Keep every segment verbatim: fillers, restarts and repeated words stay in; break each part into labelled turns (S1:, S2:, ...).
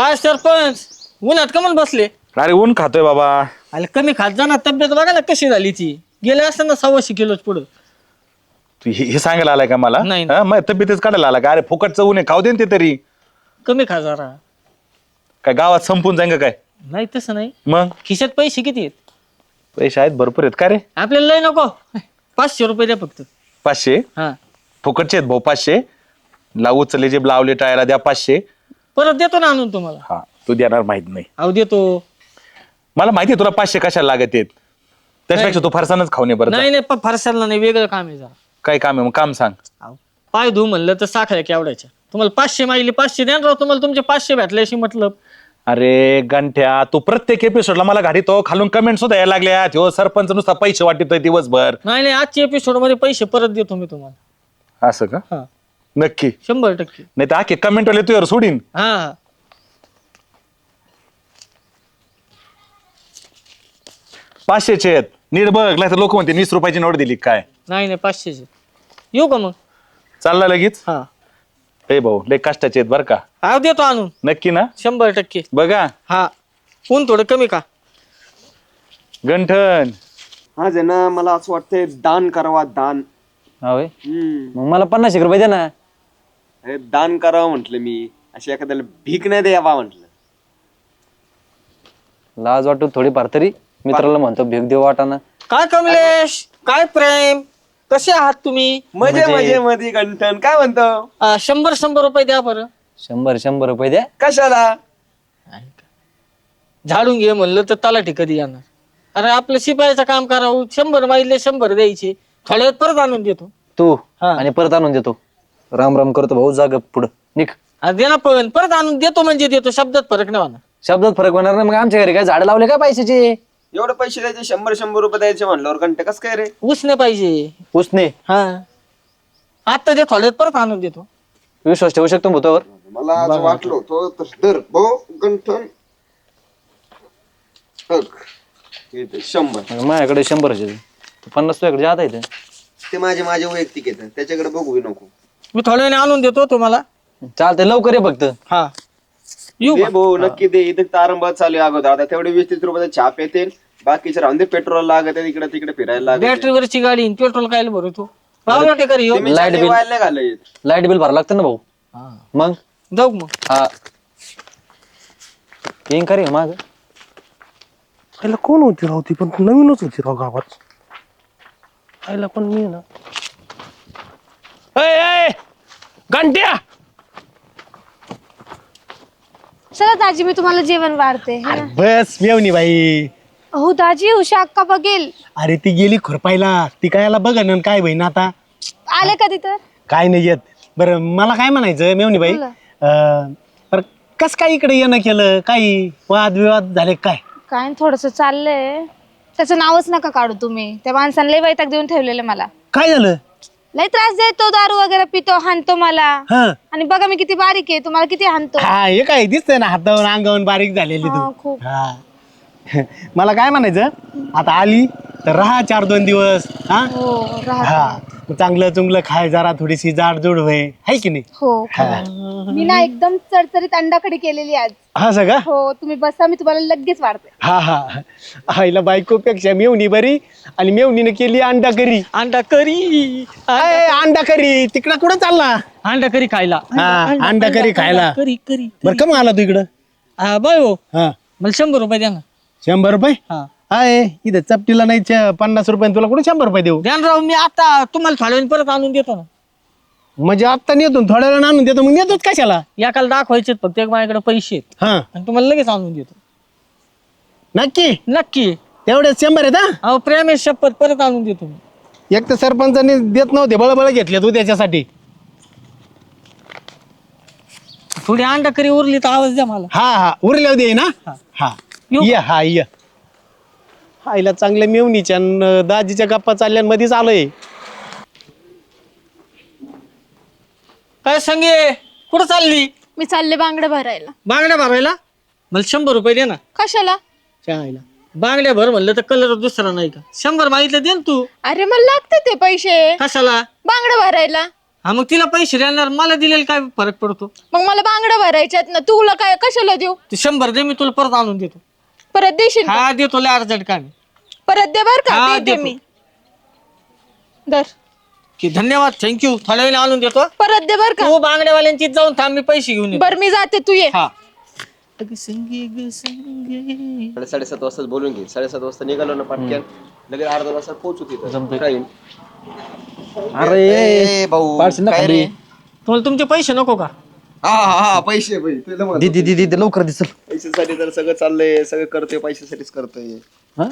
S1: काय सरपंच उन्हात कमल बसले?
S2: अरे ऊन खातोय बाबा.
S1: अरे कमी खात जा ना, तब्येत बघा ना कशी झाली ती. गेले असतं ना सव्वाशे किलोच पुढं.
S2: तू हे हे सांगायला आलाय का मला?
S1: नाही.
S2: हा, मग तब्येतच काढायला आला का? अरे फुकटचं ऊन आहे, खाऊ दे ना ते तरी.
S1: कमी खा जरा.
S2: काय गावात संपून जाईन का काय?
S1: नाही तसं नाही.
S2: मग
S1: खिशात पैसे किती आहेत?
S2: पैसे आहेत भरपूर आहेत का रे?
S1: आपल्याला लय नको, पाचशे रुपये द्या फक्त.
S2: पाचशे
S1: हा
S2: फुकटचे आहेत भाऊ पाचशे. लावू चले जे लावले टायला द्या पाचशे.
S1: परत देतो ना आणून तुम्हाला.
S2: हा तू देणार माहित नाही.
S1: अहो देतो.
S2: मला माहिती आहे तुला पाचशे कशाला लागत आहेत. त्याच्यापेक्षा तू फरसानच खाऊ नये बरं.
S1: नाही नाही पण फारसाला नाही, वेगळं काम आहे जरा.
S2: काय काम आहे मग काम सांग.
S1: अहो, पाय धू म्हणलं तर साखळ्या केवढ्याच्या. तुम्हाला पाचशे मागले पाचशे द्या राव, तुम्हाला तुमचे पाचशे भेटले अशी मतलब.
S2: अरे गंठ्या तू प्रत्येक एपिसोडला मला घाडीतो, खालून कमेंट सुद्धा यायला लागल्या. हो सरपंच नुसता पैसे वाटतोय दिवसभर.
S1: नाही नाही आजच्या एपिसोड मध्ये पैसे परत देतो मी तुम्हाला.
S2: असं का?
S1: हा
S2: नक्की?
S1: शंभर टक्के.
S2: नाही तर आखे कमेंट वाले तुझ्यावर सोडीन.
S1: हा हा
S2: पाचशेचे आहेत नीट बघ, नाही तर लोक म्हणते वीस रुपयाची नोट दिली काय.
S1: नाही नाही पाचशेचे. येऊ का मग?
S2: चालला लगेच.
S1: हा
S2: हे भाऊ लय कष्टाचे आहेत बरं का.
S1: हा देतो आणून
S2: नक्की ना?
S1: शंभर टक्के.
S2: बघा
S1: हा ऊन थोडं कमी का?
S2: गंठन
S3: आज आहे ना मला असं वाटतंय दान करावा दान.
S4: होय
S3: हम्म
S4: मग मला पन्नास एक रुपये द्या ना.
S3: हे दान करावं म्हटलं मी, अशी एखाद्याला भीक नाही द्यावा म्हटलं.
S4: लाज वाटू थोडीफार तरी. मित्राला म्हणतो भेग देऊ वाटाना.
S1: काय कमलेश, काय प्रेम, कसे आहात तुम्ही?
S3: मजे मजे मध्ये गंठन काय म्हणतो?
S1: आ, शंभर शंभर रुपये द्या बरं.
S4: शंभर शंभर रुपये द्या.
S3: कशाला?
S1: झाडून घे म्हणलं तर तलाठी कधी येणार? अरे आपलं शिपायाचं काम करावं, शंभर माहिती शंभर द्यायचे, थोड्या वेळात परत आणून देतो.
S4: तू
S1: हा.
S4: आणि परत आणून देतो. राम राम करतो भाऊ, जाग पुढं निघ.
S1: अरे दे ना पण परत आणून देतो म्हणजे देतो, शब्दात फरक नाही होणार.
S4: शब्दात फरक होणार नाही. मग आमच्या घरी काय झाड लावले काय पैशाचे?
S3: एवढे पैसे द्यायचे, शंभर शंभर रुपये द्यायचे म्हणल्यावर घंटे कस काय रे?
S1: उसने पाहिजे.
S4: उसने
S1: हा आता दे, थोड्या वेळात परत आणून देतो.
S4: विश्वास ठेवू शकतो भूतावर?
S3: मला आज वाटलं होतं तसं दर भाऊ गंठन शंभर.
S4: मग माझ्याकडे शंभर पन्नास तुझ्याकडे जात आहे.
S3: ते माझे माझे वैयक्तिक येतात, त्याच्याकडे बघू नको.
S1: मी थोड्या वेळाने आणून देतो तुम्हाला.
S4: चालतंय लवकर ये फक्त.
S1: हा येऊ
S3: दे
S1: का?
S3: भाऊ नक्की दे. इथे तारंबा चालू आहे अगोदर. आता तेवढे वीस तीस रुपयाचे छाप येतील, बाकीचे राहून दे. पेट्रोल लागत आहे इकडे तिकडे फिरायला लागत.
S1: बॅटरीवरची गाडी पेट्रोल काय भरतो? पावला टेकर येऊ.
S4: लाईट बिल
S3: नाही घालत.
S4: लाईट बिल भरावं लागतं ना भाऊ. मग
S1: जाऊ मग.
S4: हा येईन का रे माझं?
S5: आईला कोण होती राव ती? पण नवीनच होती राव गावात. आईला पण मी ना घंट्या.
S6: चला दाजी मी तुम्हाला जेवण वाढते है ना?
S5: बस मेवणी बाई.
S6: हो दाजी उषा अक्का बघेल.
S5: अरे ती गेली खुरपायला. ती कायला बघा ना काय बहीण आता.
S6: आले कधी तर?
S5: काय नाही येत. बरं मला काय म्हणायचं मेवणी बाई,
S6: बोला.
S5: अं, बरं कस काय इकडे येणं केलं? काही वाद विवाद झाले काय?
S6: काय थोडस चाललंय. त्याचं नावच नका काढू तुम्ही. त्या माणसाने लय वैताग देऊन ठेवलेलं मला.
S5: काय झालं?
S6: लय त्रास देतो, दारू वगैरे पितो, हाणतो मला.
S5: हा
S6: आणि बघा मी किती बारीक आहे, तुम्हाला किती हाणतो.
S5: हा हे काय दिसतंय ना हातावर अंगावर बारीक झालेली
S6: हा,
S5: तू.
S6: खूप.
S5: हा मला काय म्हणायचं, आता आली तर राहा चार दोन दिवस. हा
S6: हो राहते.
S5: हा चांगलं चुंगलं खाय, जरा थोडीशी जाडजूड होय, हाय की नाही?
S6: हो मी ना एकदम चरचरीत अंडाकडी केलेली आज.
S5: हा सगळं.
S6: हो तुम्ही बसा, मी तुम्हाला लगेच वाढते.
S5: हा हा आईला बायकोपेक्षा मेवणी बरी. आणि मेवणीने केली अंडा करी.
S1: अंडा करी.
S5: अय, अंडा करी तिकडं कुठं चालला?
S1: अंडा करी खायला.
S5: हा अंडा करी खायला.
S1: करी करी.
S5: बरं कम आला तू इकडं?
S1: हा बाय हो,
S5: हा
S1: मला शंभर रुपये द्या ना.
S5: शंभर रुपये?
S1: हा
S5: हाय इथं चपटीला नाही च- पन्नास रुपये तुला कुठे शंभर रुपये देऊ?
S1: द्या ना राव, मी आता तुम्हाला थोड्या वेळाने परत आणून देतो ना.
S5: म्हणजे आत्ता नेतो थोड्या वेळा आणून देतो, मग नेतोच कशाला?
S1: एकाला दाखवायचे फक्त, एक माझ्याकडे पैसे आहेत
S5: हा
S1: आणि तुम्हाला लगेच आणून देतो.
S5: नक्की
S1: नक्की.
S5: तेवढे शंभर आहेत. हा
S1: अहो प्रेम आहे, शपथ परत आणून देतो मी.
S5: एक तर सरपंचाने देत नव्हते, बळबळ घेतले तू त्याच्यासाठी.
S1: थोडी अंडा करी उरली तर आवाज द्या मला.
S5: हा हा उरल्या दे ना. हा
S1: येऊ
S5: ये हा ये. आईला चांगल्या मेवणीच्या न दाजीच्या गप्पा चालल्यामध्येच आलोय.
S1: काय संगे कुठं चालली?
S6: मी चालले बांगड्या भरायला.
S1: बांगड्या भरायला? मला शंभर रुपये दे ना.
S6: कशाला?
S1: आईला बांगड्या भर म्हणलं तर कलर दुसरा नाही का? शंभर मागितलं दे ना तू.
S6: अरे मला लागते ते पैसे
S1: कशाला?
S6: बांगड्या भरायला.
S1: हा मग तिला पैसे देणार, मला दिलेला काय फरक पडतो?
S7: मग मला बांगड्या भरायच्यात ना, तुला काय कशाला देऊ?
S1: ते शंभर दे, मी तुला परत आणून देतो.
S7: परत देशील का?
S1: हा देतो, लय अर्जंट काम आहे.
S7: परत दे बर का,
S1: हा,
S7: देते
S1: देतो.
S7: मी. दर
S1: की धन्यवाद, थँक्यू, थोड्या वेळाने आणून देतो.
S7: परत दे बर का.
S1: तू बांगड्यावाल्यांची जाऊन थांब, मी पैसे घेऊन येतो.
S7: बर मी जाते, तू ये.
S1: हा
S3: साडे साडेसात वाजता बोलून घे. साडेसात वाजता निघालो ना पाटक्यान, लगेच अर्धा तासात पोहोचू तिथं. काय?
S4: अरे
S3: भाऊ
S4: पार्सल ना
S3: काय
S4: खाली.
S3: रे?
S1: तुम्हाला तुमचे पैसे नको का?
S3: हा हा हा पैसे पैसे तुला म्हणतो.
S4: दीदी दीदी दे लवकर दिसल.
S3: पैशासाठी तर सगळं चाललंय, सगळं करतोय पैशासाठीच करतोय.
S4: हा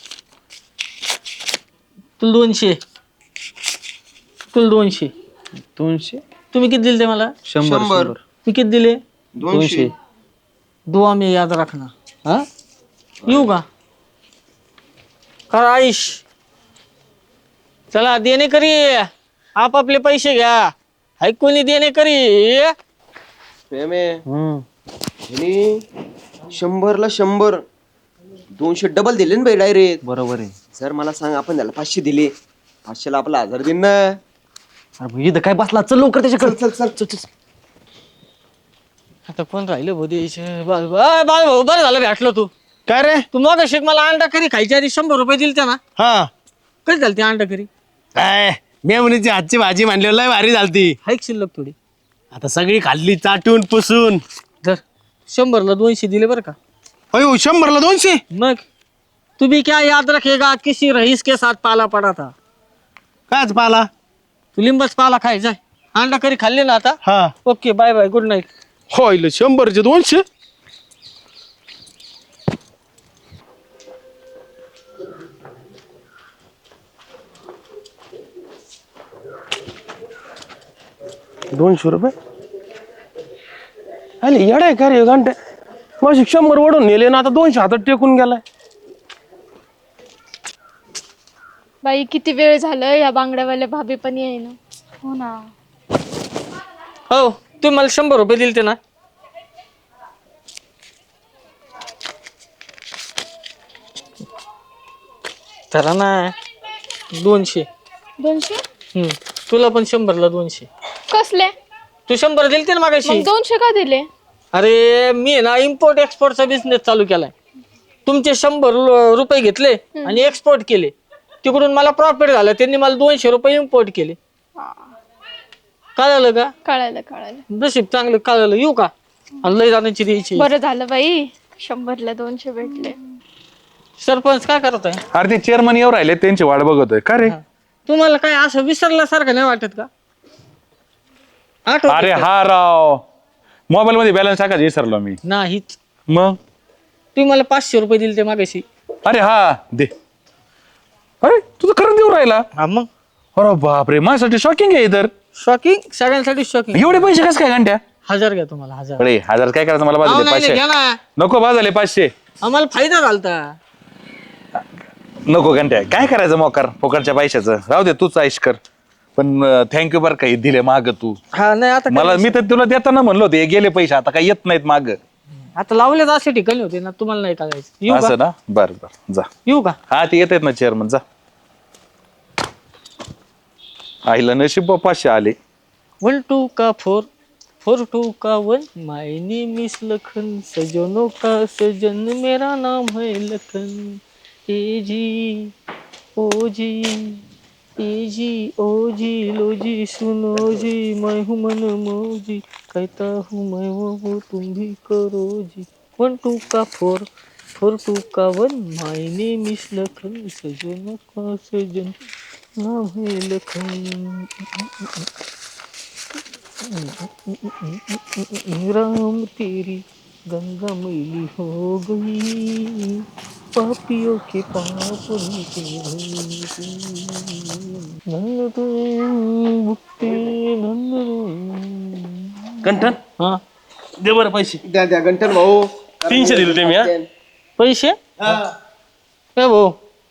S1: तुला दोनशे तुला दोनशे
S4: दोनशे
S1: तुम्ही किती दिले ते मला?
S4: शंभर
S3: शंभर.
S4: शंभर
S1: मी किती दिले?
S3: दोनशे.
S1: दुआ में याद रखना. हा येऊ का? करा आयुष. चला देणे करी, आपापले पैसे घ्या. हाय कोणी देणे करी.
S3: प्रेम आहे.
S4: हम्म
S3: ह्यानी शंभरला शंभर दोनशे डबल दिले ना भाई डायरेक्ट.
S4: बरोबर आहे.
S3: सर मला सांग, आपण त्याला पाचशे दिले, पाचशेला आपला हजार दिन ना.
S4: अरे भाई, इथं काय बसला, चल लवकर त्याच्याकडे.
S3: चल चल चल चल.
S1: आता कोण राहिलं भाऊ द्यायचं? बाळ भाऊ बरं झालं भेटलो तू.
S5: काय रे?
S1: तू मग शेक मला अंडा करी खायच्या आधी शंभर रुपये दिले त्या ना.
S5: हा
S1: कधी झाली ती अंडा करी?
S5: काय मेमणीची हातची भाजी म्हणली, लय भारी झालती.
S1: हाईक शिल्लक थोडी.
S5: आता सगळी खाल्ली चाटून पुसून.
S1: धर शंभरला दोनशे दिले बरं का.
S5: अयो शंभरला दोनशे.
S1: मग तू भी क्या याद रखेगा, किसी रईस के साथ पाला पडा था.
S5: काच पाला.
S1: तू लिंबच पाला खायचा. अंडा करी खाल्ली ना आता.
S5: हा
S1: okay bye bye, good night.
S5: होईल शंभरचे दोनशे. दोनशे रुपये अरे येडा आहे का रे घंटे. माझी शंभर ओढून नेले ना, आता दोनशे हातात टेकून गेलाय.
S7: बाई किती वेळ झालं, या बांगड्यावाल्या भाभी पण येईना.
S6: हो ना.
S1: हो तुम्ही मला शंभर रुपये दिले ते ना. तर ना दोनशे.
S7: दोनशे
S1: हम्म तुला पण शंभरला दोनशे.
S7: कसले?
S1: तू शंभर दिले ते ना
S7: मग
S1: मागाशी.
S7: दोनशे का दिले?
S1: अरे मी ना इम्पोर्ट एक्सपोर्टचा बिझनेस चालू केलाय. तुमचे शंभर रु- रुपये घेतले आणि एक्सपोर्ट केले. तिकडून मला प्रॉफिट झालं, त्यांनी मला दोनशे रुपये इम्पोर्ट केले. कळालं का?
S7: कळालं कळालं.
S1: नशीब चांगलं कळालं. येऊ का? आणि लय जाण्याची द्यायची.
S7: बरं झालं बाई, शंभरला दोनशे भेटले.
S1: सरपंच काय करत आहे?
S2: अरे ते चेअरमन येऊ राहिले, त्यांची वाट बघतोय. का रे?
S1: तुम्हाला काय असं विसरल्यासारखं नाही वाटत का? आठवत
S2: अरे हा राव, मोबाईल मध्ये बॅलन्स टाकायचं विसरलो मी.
S1: नाहीच.
S2: मग
S1: तुम्ही मला पाचशे रुपये दिले ते मागाशी.
S2: अरे हा दे. अरे तुझं खरं देऊ राहिला.
S1: हा मग
S2: अरे बापरे, माझ्यासाठी शॉकिंग आहे तर.
S1: शॉकिंग, सगळ्यांसाठी शॉकिंग.
S2: एवढे पैसे कसं काय घंट्या?
S1: हजार घ्या तुम्हाला हजार.
S2: अरे हजार काय करायचं, मला
S1: अहो,
S2: बाजूले
S1: नाही,
S2: पाचशे
S1: घ्या ना.
S2: नको. बाजूले पाचशे
S1: आम्हाला फायदा झालता.
S2: नको. घंट्या काय करायचं मोकार फोकरच्या पैशाचं. राहू दे, तूच आईश कर. पण थँक्यू बरं काही दिले माग तू
S1: हा नाही आता
S2: मला. मी तर तुला देताना म्हणलो होते, हे गेले पैसे आता काही येत नाहीत माग.
S1: आता लावलेच असे ठिकाणी होते ना, तुम्हाला नाही करायचं. येऊ का?
S2: असं ना. बर बर जा.
S1: येऊ का?
S2: हा ते येत आहेत ना चेअरमन, जा. आईला नशीब पाचशे आले.
S1: वन टू का फोर, फोर टू का one. My name is Lakhan, सजनों का सजन मेरा नाम है लखन. ए जी ओ जी, ए जी ओ जी, लो जी सुनो जी, मैं हूँ मन मौजी, कहता हूँ मैं वो वो तुम भी करो जी. वन टू का फोर, फोर टू का one. My name is Lakhan, सजनों का सजन नाम है लखन. राम तेरी गंगा मैली हो गई, पापियों के पाप उनके
S5: कंठन
S1: हा
S5: दे बरं पैसे.
S3: द्या द्या गंठन भाऊ.
S5: तीनशे दिले ते मी. हा
S1: पैसे ए भाऊ,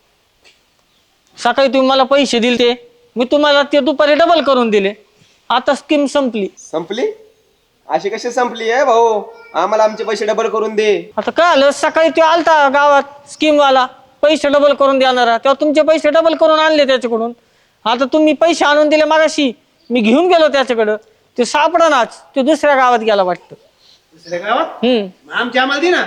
S1: सकाळी तुम्ही मला पैसे दिले ते, मी तुम्हाला ते दुपारी डबल करून दिले. आता स्कीम संपली.
S3: संपली? अशी कशी संपली आहे भाऊ? आम्हाला आमचे पैसे डबल करून दे.
S1: आता काय आलं, सकाळी तो आलता गावात स्कीम वाला, पैसे डबल करून देणारा, तेव्हा तुमचे पैसे डबल करून आणले त्याच्याकडून. आता तुम्ही पैसे आणून दिले मागाशी, मी घेऊन गेलो त्याच्याकडं, ते सापडानाच, ते दुसऱ्या गावात गेला वाटतं.
S5: दुसऱ्या गावात
S1: हम्म
S5: आमच्या आम्हाला दे ना.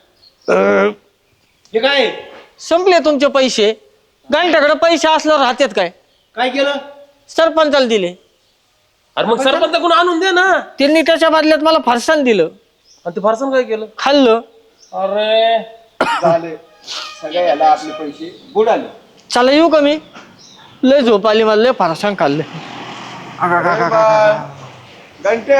S5: हे काय
S1: संपले तुमचे पैसे. घंट्याकडे पैसे असल्यावर राहतात काय?
S5: काय केलं?
S1: सरपंचाला दिले.
S5: अरे मग सरपंच कोण आणून दे ना.
S1: त्यांनी त्याच्या बदल्यात मला फरसाण दिलं.
S5: आणि ते फारसन काय केलं?
S1: खाल्लं.
S5: अरे
S3: झाले सगळे याला आपले पैसे बुडाले.
S1: चला येऊ का मी? लय झोप आली मला, लय फरसाण खाल्लं.
S3: घंटे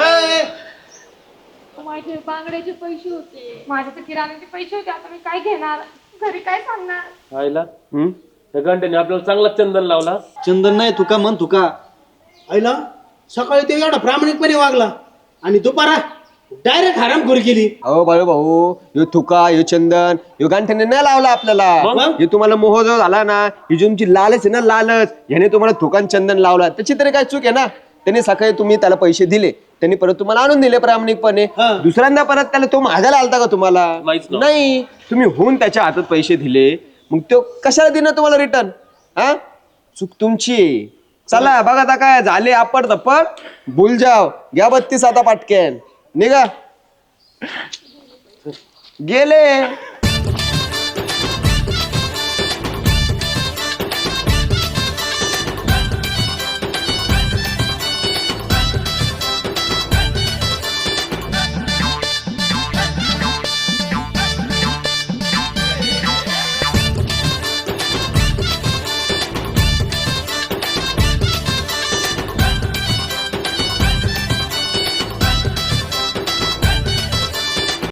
S7: माझे बांगड्याचे पैसे होते, माझे तर किराण्याचे पैसे होते. आता मी काय घेणार, घरी काय सांगणार?
S5: आईला त्या घंट्याने आपल्याला चांगला चंदन लावला.
S8: चंदन नाही तुका म्हण तुका आईला सकाळी ते एवढा प्रामाणिकपणे वागला आणि दुपारा डायरेक्ट हरामखोरी केली.
S3: अहो बाळू भाऊ, ह्यो थुका ह्यो चंदन ह्यो गांठ्याने नाही लावला आपल्याला. हे तुम्हाला मोह जो झाला ना, ही जी तुमची लालच आहे ना, लालच, ह्याने तुम्हाला थुकान चंदन लावला. त्याची तरी काय चूक आहे ना? त्याने सकाळी तुम्ही त्याला पैसे दिले, त्यांनी परत तुम्हाला आणून दिले प्रामाणिकपणे. दुसऱ्यांदा परत त्याला तो महागायला आलता का तुम्हाला? नाही, तुम्ही होऊन त्याच्या हातात पैसे दिले, मग तो कशाला देणार तुम्हाला रिटर्न? हा, चूक तुमची आहे. चला बघा आता काय झाले, आपड तप्पड भूल जाव. घ्या बत्तीस आता पाटक्यान निघा. गेले